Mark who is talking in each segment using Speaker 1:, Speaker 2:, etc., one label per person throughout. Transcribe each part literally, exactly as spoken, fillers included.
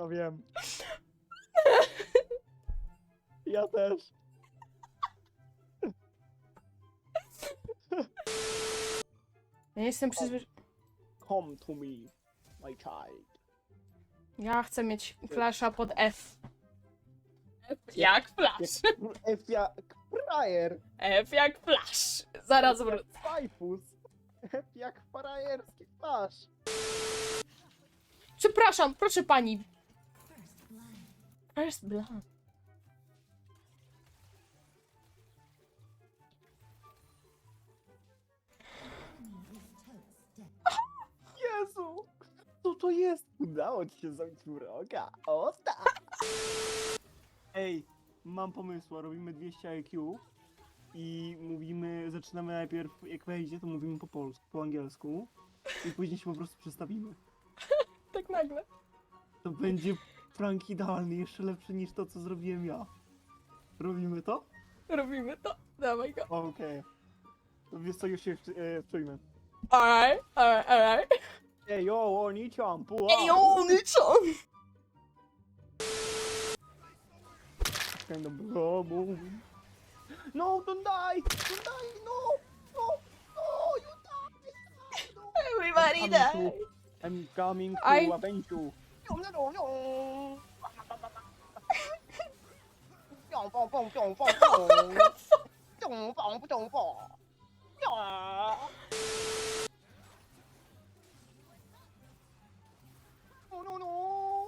Speaker 1: No wiem. Ja też.
Speaker 2: Ja jestem przyzwyczajony.
Speaker 1: Come to me, my child.
Speaker 2: Ja chcę mieć flasha pod F. F jak flash.
Speaker 1: F jak frajer.
Speaker 2: F jak flash. Zaraz
Speaker 1: F
Speaker 2: wrócę.
Speaker 1: jak fajfus. F jak frajerski flash.
Speaker 2: Przepraszam, proszę pani. First blood.
Speaker 1: Jezu! Co to jest? Udało ci się zabić wroga. O tak! Ej, mam pomysł. Robimy dwieście I Q i mówimy, zaczynamy najpierw, jak wejdzie, to mówimy po polsku, po angielsku i później się po prostu przestawimy.
Speaker 2: Tak nagle.
Speaker 1: To będzie prank idealny, jeszcze lepszy niż to, co zrobiłem ja. Robimy to?
Speaker 2: Robimy to. Dawaj go.
Speaker 1: Okej. Okay. Wiesz co, już się e, wczujmy.
Speaker 2: Alright, alright, alright.
Speaker 1: Ej, yo, oni-chan, puła!
Speaker 2: Ej, Ony-chan!
Speaker 1: Kind of trouble. No, don't die! Don't die! No! No! No! You die! No!
Speaker 2: Everybody
Speaker 1: I'm
Speaker 2: die.
Speaker 1: coming to- I'm coming to
Speaker 2: I-
Speaker 1: avenge you. No, no, no, no. Piong, pong, pong, piong, pong, pong. Piong, pong, piong, pong. Ja. No, no, no.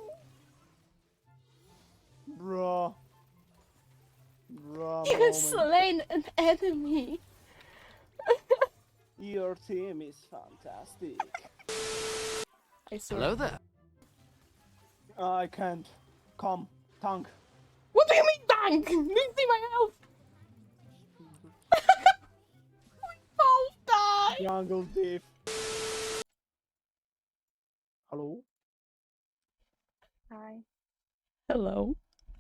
Speaker 1: Bruh. Bruh,
Speaker 2: You
Speaker 1: moment.
Speaker 2: slain an enemy.
Speaker 1: Your team is fantastic.
Speaker 2: I swear.
Speaker 3: Hello there.
Speaker 1: I can't. Come, tank.
Speaker 2: What do you mean, tank? Didn't see my health. We both die.
Speaker 1: Jungle thief. Hello?
Speaker 2: Hi. Hello.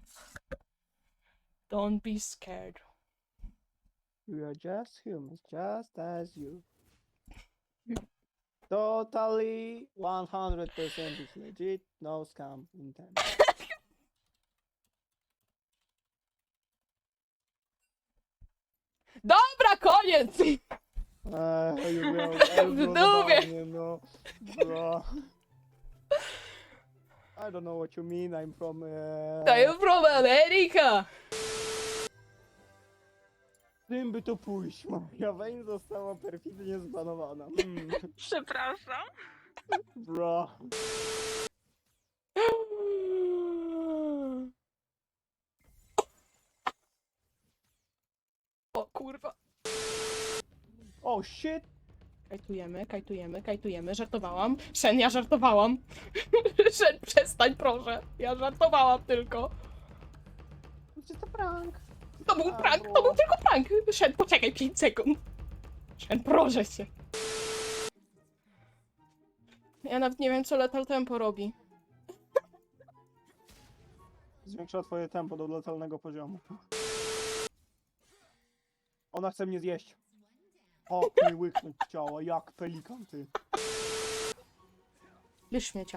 Speaker 2: Don't be scared.
Speaker 1: We are just humans, just as you. Totally one hundred percent is legit, no scam intent.
Speaker 2: Dobra, koniec!
Speaker 1: Eee, już miał
Speaker 2: W dupie.
Speaker 1: zabawnie, no. Bro. I don't know what you mean, I'm from... Uh...
Speaker 2: To jest from America!
Speaker 1: Czym by to pójść? Moja wejść została perfidnie zbanowana. Mm.
Speaker 4: Przepraszam.
Speaker 1: Bro.
Speaker 2: O kurwa.
Speaker 1: Oh shit!
Speaker 2: Kajtujemy, kajtujemy, kajtujemy. Żartowałam. Shen, ja żartowałam. Shen, przestań proszę. Ja żartowałam tylko.
Speaker 1: Czy to prank?
Speaker 2: To był
Speaker 1: A,
Speaker 2: prank,
Speaker 1: bo-
Speaker 2: to był tylko prank. Shen, poczekaj pięć sekund. Shen, proszę cię. Ja nawet nie wiem, co Lethal Tempo robi.
Speaker 1: Zwiększa twoje tempo do letalnego poziomu. Ona chce mnie zjeść. O, mnie łyknąć chciała, jak pelikan ty.
Speaker 2: Bierz śmiecia.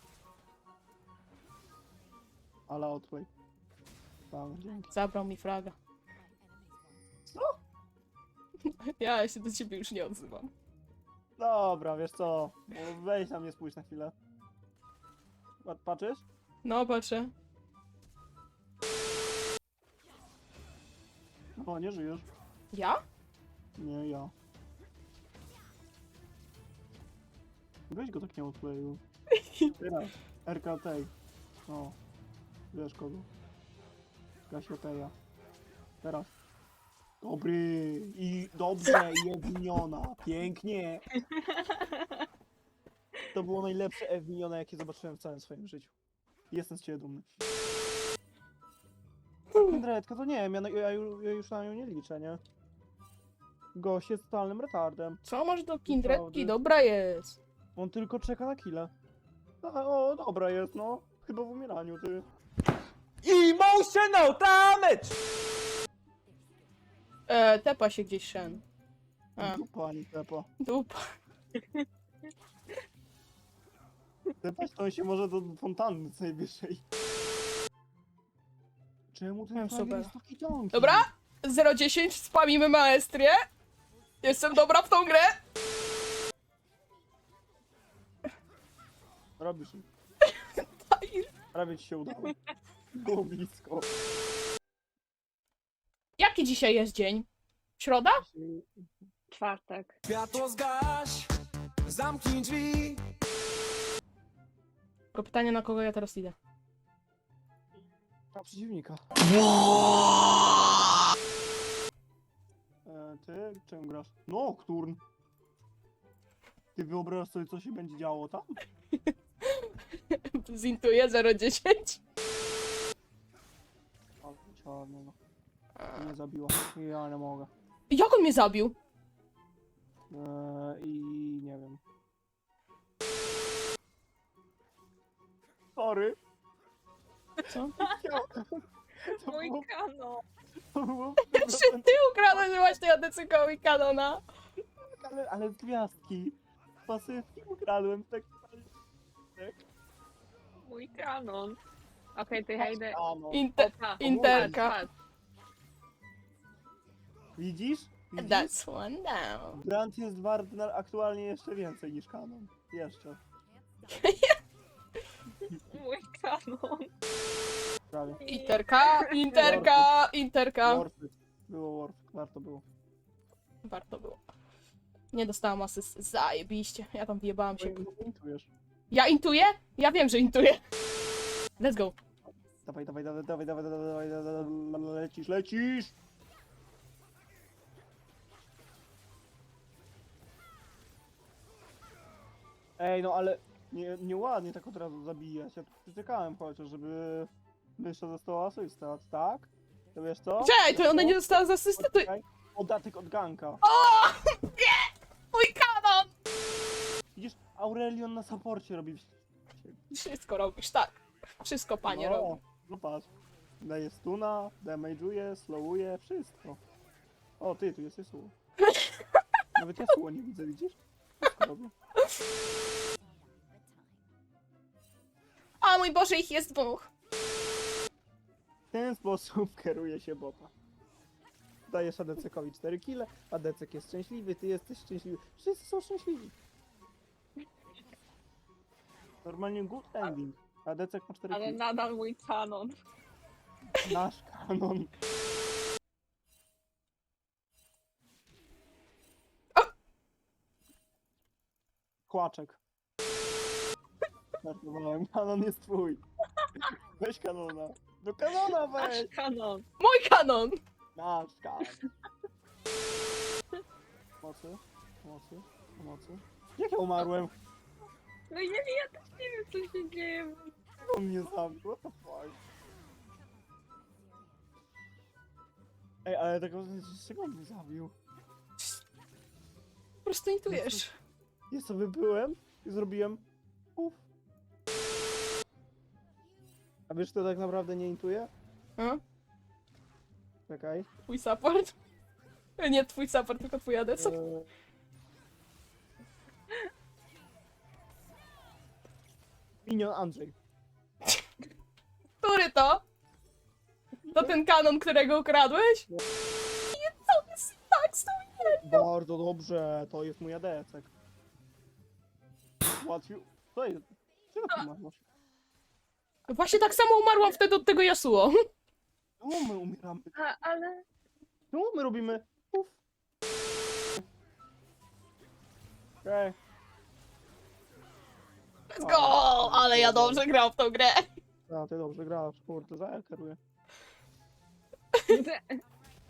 Speaker 1: Ale outplay. Tam, dzięki.
Speaker 2: Zabrał mi fraga.
Speaker 1: Co?
Speaker 2: Ja się do ciebie już nie odzywam.
Speaker 1: Dobra, wiesz co? Bo weź na mnie, spójrz na chwilę. Pat- Patrzysz?
Speaker 2: No, patrzę.
Speaker 1: O, nie żyjesz.
Speaker 2: Ja?
Speaker 1: Nie, ja. Weź go tak nie outplayu. Teraz. R K T. O. Wiesz kogo. Kasioteja. Teraz. Dobry. I dobrze. Jedniona. Pięknie. To było najlepsze F minione, jakie zobaczyłem w całym swoim życiu. Jestem z ciebie dumny. Kindredka, to nie wiem, ja, na- ja, ju- ja już na nią nie liczę, nie? Gość jest totalnym retardem.
Speaker 2: Co masz do kindredki?
Speaker 1: Naprawdę.
Speaker 2: Dobra jest.
Speaker 1: On tylko czeka na killę. A, o, dobra jest, no. Chyba w umieraniu, ty.
Speaker 3: Emotional damage!
Speaker 2: E, tepa się gdzieś Shen. A,
Speaker 1: Dupa, ani tepa.
Speaker 2: dupa.
Speaker 1: Tepać to on się może do fontanny co najwyżej. Czemu ten
Speaker 2: Wiem,
Speaker 1: frajer
Speaker 2: super.
Speaker 1: jest taki ciągi?
Speaker 2: Dobra, zero dziesięć, spamimy maestrię. Jestem dobra w tą grę.
Speaker 1: Robisz.
Speaker 2: Aj.
Speaker 1: Prawie ci się udało. Było blisko.
Speaker 2: Jaki dzisiaj jest dzień? Środa?
Speaker 3: Czwartek.
Speaker 4: Światło zgaś, zamknij drzwi.
Speaker 2: Tylko pytanie, na kogo ja teraz idę.
Speaker 1: Na przeciwnika. E, ty czym grasz? Nocturn. Ty wyobrażasz sobie, co się będzie działo tam?
Speaker 2: Zintuję zero dziesięć.
Speaker 1: Ale czarno, no. Nie zabiła. Ja nie mogę.
Speaker 2: Jak on mnie zabił?
Speaker 1: E, I nie wiem. Sorry.
Speaker 2: Co?
Speaker 1: To
Speaker 3: Mój
Speaker 1: było,
Speaker 3: kanon.
Speaker 1: to było
Speaker 2: Czy ty ukradłeś właśnie Adecykowi kanona?
Speaker 1: ale, ale z gwiazdki. Pasywki ukradłem, tak. tak.
Speaker 3: Mój kanon. Okej, to ja idę.
Speaker 1: A, no.
Speaker 2: Inter
Speaker 3: Opa,
Speaker 2: interka.
Speaker 3: patrz, patrz.
Speaker 1: Widzisz? Widzisz?
Speaker 2: That's one down.
Speaker 1: Grant jest wart na, aktualnie jeszcze więcej niż kanon. Jeszcze.
Speaker 3: Mój kanon.
Speaker 1: Prawie.
Speaker 2: Interka, interka, interka.
Speaker 1: Worth it. Było worth it. Warto było.
Speaker 2: Warto było. Nie dostałam asyst. Zajebiście. Ja tam wjebałam się.
Speaker 1: Intujesz.
Speaker 2: Ja intuję? Ja wiem, że intuję. Let's go.
Speaker 1: Dawaj, dawaj, dawaj, dawaj, dawaj, dawaj, dawaj, dawaj, lecisz, lecisz! Ej, no ale nie, nieładnie tak od razu zabijać. Ja tu czekałem chociaż, żeby jeszcze została asysta, tak? To wiesz co?
Speaker 2: Cześć, to
Speaker 1: Wiesz
Speaker 2: ona
Speaker 1: co?
Speaker 2: nie dostała z asysty, to...
Speaker 1: Poczekaj. Podatek od ganka.
Speaker 2: O! Nie! Mój kanon!
Speaker 1: Widzisz, Aurelion na supporcie robi.
Speaker 2: Wszystko robisz, tak. Wszystko, panie,
Speaker 1: no,
Speaker 2: robi.
Speaker 1: No patrz. Daje stuna, damage'uje, slowuje, wszystko. O, ty, tu jest Yasuo. Nawet Yasuo nie widzę, widzisz? Wszystko robię.
Speaker 2: O mój Boże, ich jest dwóch.
Speaker 1: W ten sposób kieruje się bota. Dajesz Adecekowi cztery kile, Adecek jest szczęśliwy, ty jesteś szczęśliwy. Wszyscy są szczęśliwi. Normalnie good ending. Adecek ma cztery
Speaker 3: Ale
Speaker 1: kile.
Speaker 3: nadal mój kanon.
Speaker 1: Nasz kanon. Kłaczek. Żartowałem, kanon jest twój. Weź kanona. Do kanona
Speaker 3: Nasz
Speaker 1: weź!
Speaker 3: kanon.
Speaker 2: Mój kanon!
Speaker 1: Nasz kanon. Pomocy, pomocy, pomocy. Jak ja umarłem?
Speaker 3: No ja, ja też nie wiem, co się dzieje.
Speaker 1: On mnie zabił, what the fuck? Ej, ale tego, z czego on mnie zabił?
Speaker 2: Po prostu intujesz.
Speaker 1: Ja sobie byłem i zrobiłem uff. A wiesz, kto tak naprawdę nie intuje?
Speaker 2: A?
Speaker 1: Czekaj.
Speaker 2: Twój support? Nie twój support, tylko twój adec.
Speaker 1: Eee... Minion Andrzej.
Speaker 2: Który to? To ten kanon, którego ukradłeś?
Speaker 1: Nie.
Speaker 2: Nie, co jest tak z tą
Speaker 1: Bardzo dobrze, to jest mój adecek. Łatwiej. Co jest? Czego ty masz?
Speaker 2: Właśnie tak samo umarłam wtedy od tego Yasuo.
Speaker 1: Czemu my umieramy?
Speaker 3: A, ale...
Speaker 1: Czemu my robimy uff? Okej.
Speaker 2: Let's go! Ale ja dobrze grałam w tą grę.
Speaker 1: A, ty dobrze grasz, kurde, za ja kieruję.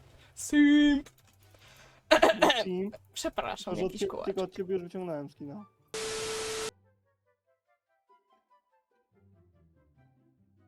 Speaker 2: Simp.
Speaker 1: Team,
Speaker 2: Przepraszam,
Speaker 1: tylko od
Speaker 2: jakiś
Speaker 1: cie-
Speaker 2: kołacz.
Speaker 1: tylko od ciebie już wyciągnąłem skina.